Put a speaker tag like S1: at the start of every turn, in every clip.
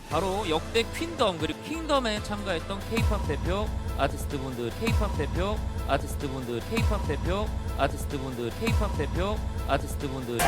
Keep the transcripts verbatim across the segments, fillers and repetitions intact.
S1: 바로 역대 퀸덤 그리고 킹덤에 참가했던 K-팝 대표 아티스트분들, K-팝 대표 아티스트분들, K-팝 대표 아티스트분들, K-팝 대표 아티스트분들.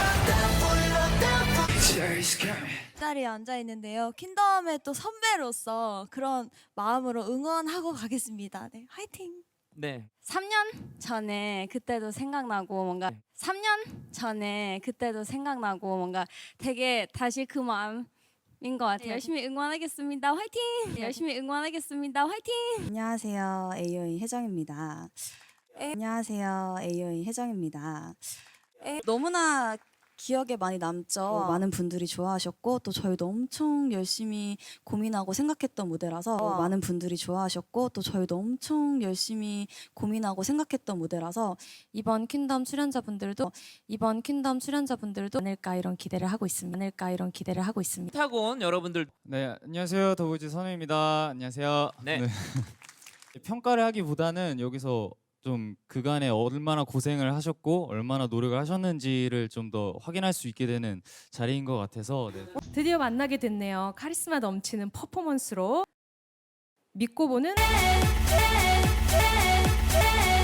S2: 자리에 앉아 있는데요. 킹덤의 또 선배로서 그런 마음으로 응원하고 가겠습니다. 네, 화이팅!
S1: 네.
S3: 삼 년 전에 그때도 생각나고 뭔가 삼 년 전에 그때도 생각나고 뭔가 되게 다시 그 마음인 것 같아요. 열심히 응원하겠습니다. 화이팅! 열심히 응원하겠습니다. 화이팅!
S4: 안녕하세요. 에이오인 혜정입니다. 안녕하세요. 에이오인 혜정입니다. 너무나 기억에 많이 남죠. 어, 많은 분들이 좋아하셨고 또 저희도 엄청 열심히 고민하고 생각했던 무대라서 어, 많은 분들이 좋아하셨고 또 저희도 엄청 열심히 고민하고 생각했던 무대라서
S5: 이번 퀸덤 출연자분들도 이번 퀸덤 출연자분들도 않을까 이런 기대를 하고 있습니다. 않을까 이런 기대를 하고 있습니다.
S1: 타곤 여러분들.
S6: 네, 안녕하세요. 더보이즈 선우입니다. 안녕하세요.
S1: 네.
S6: 평가를 하기보다는 여기서 좀 그간에 얼마나 고생을 하셨고 얼마나 노력을 하셨는지를 좀 더 확인할 수 있게 되는 자리인 것 같아서 네.
S7: 드디어 만나게 됐네요. 카리스마 넘치는 퍼포먼스로 믿고 보는